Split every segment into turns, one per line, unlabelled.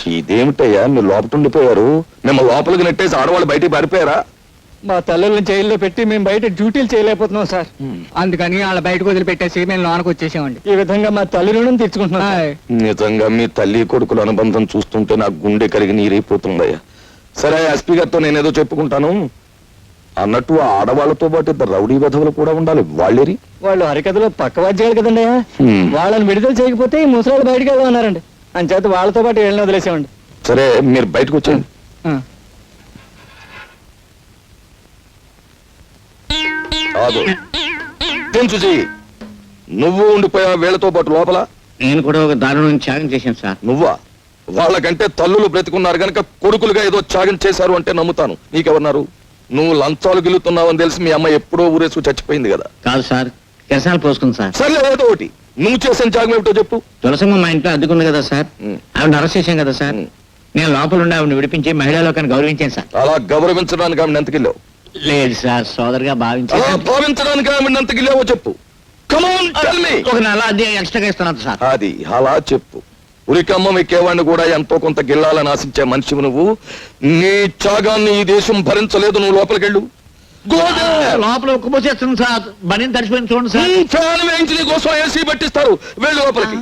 ఇదేమిటయ్యా మీరు లోపల ఉండిపోయారు? మేము లోపలికి నెట్టేసి ఆడవాళ్ళు బయటికి పారిపోయారా?
మా తల్లుల్ని జైల్లో పెట్టి మేము బయట డ్యూటీలు చేయలేకపోతున్నాం సార్. అందుకని వాళ్ళ బయటకు వదిలిపెట్టేసి మేము లోనకు వచ్చేసామండి. ఈ విధంగా మా తల్లి రుణం తీర్చుకుంటున్నాం.
నిజంగా మీ తల్లి కొడుకుల అనుబంధం చూస్తుంటే నాకు గుండె కరిగి నీరైపోతుందయ్యా. సరే, ఎస్పీ గారితో నేనేదో చెప్పుకుంటాను. అన్నట్టు ఆ ఆడవాళ్లతో పాటు ఇద్దరు రౌడీ వధవులు కూడా ఉండాలి. వాళ్ళేరి
వాళ్ళు హరికథలో పక్క వాద్యాలు కదండి. వాళ్ళని విడుదల చేయకపోతే ఈ ముసలాళ్ళు బయటకు వెళ్దామన్నారండి. అంచేత వాళ్ళతో పాటు వెళ్ళిన వదిలేసామండి.
సరే, మీరు బయటకు వచ్చేయండి. నువ్వు ఉండిపోయా వీళ్ళతో పాటు లోపల?
నేను కూడా ఒక దారుణం త్యాగం చేశాను సార్.
నువ్వా? వాళ్ళకంటే తల్లులు బ్రతికున్నారు గనక కొడుకులుగా ఏదో త్యాగం చేశారు అంటే నమ్ముతాను. నీకెవరున్నారు? నువ్వు లంచాలు గిలుతున్నావని తెలిసి మీ అమ్మ ఎప్పుడో ఊరేసుకు చచ్చిపోయింది కదా.
కాదు సార్, కిరసాలు పోసుకుంది సార్.
సరే, ఏదో ఒకటి నువ్వు చేసిన త్యాగం ఏమిటో చెప్పు.
తులసమ్మ మా ఇంట్లో అద్దుకుంది కదా సార్, ఆవిడ అరెస్ట్ చేశాం కదా సార్. నేను లోపల ఉండి ఆవిడని విడిపించి మహిళా లోకాన్ని గౌరవించాను సార్.
అలా గౌరవించడానికి ఆవిడ ఎంతకిల్లావు?
లేదు సార్, సోదరుగా భావించాను.
భావించడానికి ఆవిడ ఎంతకిల్లావో చెప్పు.
ఒక నెల అది ఎక్స్ట్రాగా ఇస్తున్నాను సార్.
అది అలా చెప్పు. ఉరికమ్మ మీకేవాడిని కూడా ఎంతో కొంత గిల్లాలని ఆశించే మనిషి నువ్వు. నీ త్యాగాన్ని ఈ దేశం భరించలేదు. నువ్వు లోపలికెళ్ళు.
లోపల ఉక్కుపోసేస్తుంది సార్. బండిని తడిచిపోయింది చూడండి సార్.
ఫ్యాన్ వేయించి నీ కోసం ఏసీ పట్టిస్తారు. వెళ్ళు లోపలికి.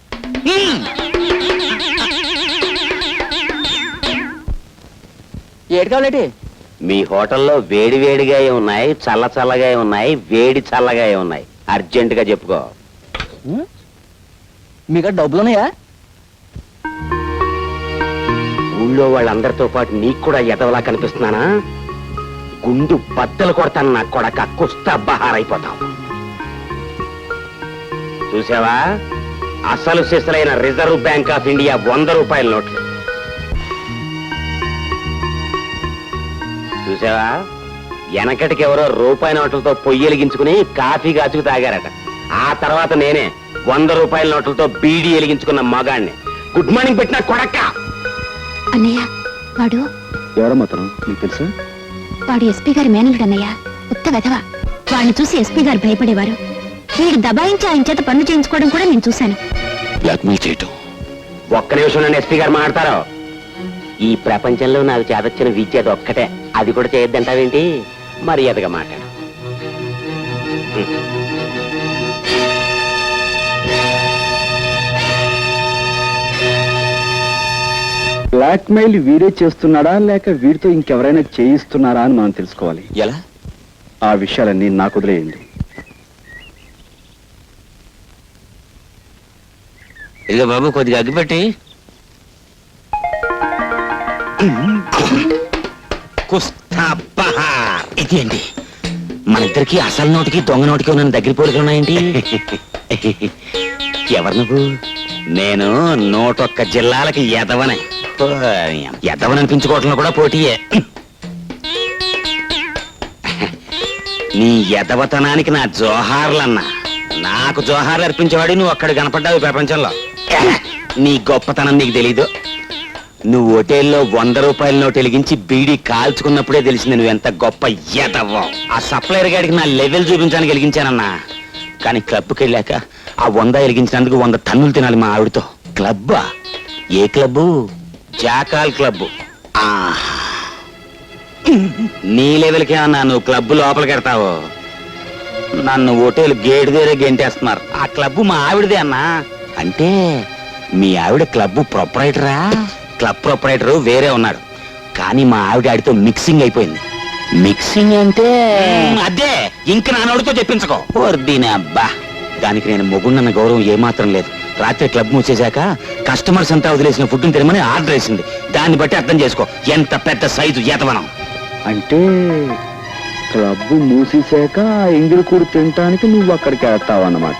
ఏడు కావాలంటే
మీ హోటల్లో వేడి వేడిగా ఉన్నాయి, చల్ల చల్లగా ఉన్నాయి, వేడి చల్లగా ఉన్నాయి. అర్జెంట్ గా చెప్పుకో.
మీకు డబ్బులున్నాయా?
ఊళ్ళో వాళ్ళందరితో పాటు నీకు కూడా ఎదవలా కనిపిస్తున్నానా? గుండు బద్దలు కొడతాను నా కొడక. కుస్తా బహారైపోతావు. చూసావా? అసలు సిసలైన రిజర్వ్ బ్యాంక్ ఆఫ్ ఇండియా 100 రూపాయల నోట్లు చూసావా? వెనకటికి ఎవరో రూపాయి నోట్లతో పొయ్యి కాఫీ కాచుకు తాగారట. ఆ తర్వాత నేనే 100 రూపాయల నోట్లతో బీడీ వెలిగించుకున్న మగాణ్ణి. గుడ్ మార్నింగ్ పెట్టిన కొడక్క.
అన్నయ్య, వాడు
ఎవరమ్మా తను? నీకు తెలుసా?
వాడు ఎస్పీ గారి మేనలుడు అన్నయ్య. ఉత్త వెధవ. వాడిని చూసి ఎస్పీ గారు భయపడేవారు. వీడు దబాయించి ఆయన చేత పనులు చేయించుకోవడం కూడా నేను చూశాను.
బ్లాక్మెయిల్ చేయటం.
ఒక్క నిమిషం నన్ను ఎస్పీ గారు మాట్లాడతారు. ఈ ప్రపంచంలో నాకు చేదొచ్చిన విద్య అది ఒక్కటే. అది కూడా చేయొద్దంటావేంటి? మర్యాదగా మాట్లాడు.
బ్లాక్మెయిల్ వీరే చేస్తున్నాడా లేక వీడితో ఇంకెవరైనా చేయిస్తున్నారా అని మనం తెలుసుకోవాలి.
ఎలా?
ఆ విషయాలన్నీ నాకు వదిలేయండి.
ఇక బాబు కొద్దిగా అగ్గిపెట్టి.
ఇది అండి మన ఇద్దరికి అసలు నోటికి దొంగ నోటికి ఉన్న దగ్గర పోలికలు ఉన్నాయండి. ఎవరు నువ్వు? నేను 101 జిల్లాలకి ఎదవనే. ఎదవననిపించుకోవటంలో కూడా పోటీయే. నీ ఎదవతనానికి నా జోహార్లన్నా. నాకు జోహార్లు అర్పించేవాడు నువ్వు అక్కడ కనపడ్డావు ప్రపంచంలో. నీ గొప్పతనం నీకు తెలీదు. నువ్వు హోటల్లో 100 రూపాయల నోటు వెలిగించి బీడీ కాల్చుకున్నప్పుడే తెలిసింది నువ్వెంత గొప్ప ఎదవో. ఆ సప్లైర్ గాడికి నా లెవెల్ చూపించడానికి వెలిగించానన్నా. కానీ క్లబ్కి వెళ్ళాక ఆ 100 వెలిగించినందుకు 100 టన్నులు తినాలి మా ఆవిడతో. క్లబ్బా? ఏ క్లబ్బు? Jackal club. నీ లెవెల్కే అన్నా నువ్వు క్లబ్ లోపలికి వెడతావు. నన్ను హోటల్ గేట్ దగ్గర గెంటేస్తున్నారు. ఆ క్లబ్బు మా ఆవిడదే అన్నా. అంటే మీ ఆవిడ క్లబ్ ప్రొపరైటరా? క్లబ్ ప్రొపరైటర్ వేరే ఉన్నాడు, కానీ మా ఆవిడ ఆడితో మిక్సింగ్ అయిపోయింది. మిక్సింగ్ అంటే అదే. ఇంక నాన్నోడితో చెప్పించుకో. దీని అబ్బా, దానికి నేను మొగుండన్న గౌరవం ఏమాత్రం లేదు. రాత్రి క్లబ్ మూసేశాక కస్టమర్స్ అంతా వదిలేసిన ఫుడ్ని తినమని ఆర్డర్ వేసింది. దాన్ని బట్టి అర్థం చేసుకో ఎంత పెద్ద సైజు ఏతవనం.
అంటే క్లబ్ మూసేశాక ఎంగిలి కూడు తినటానికి నువ్వు అక్కడికి వెళ్తావు అన్నమాట.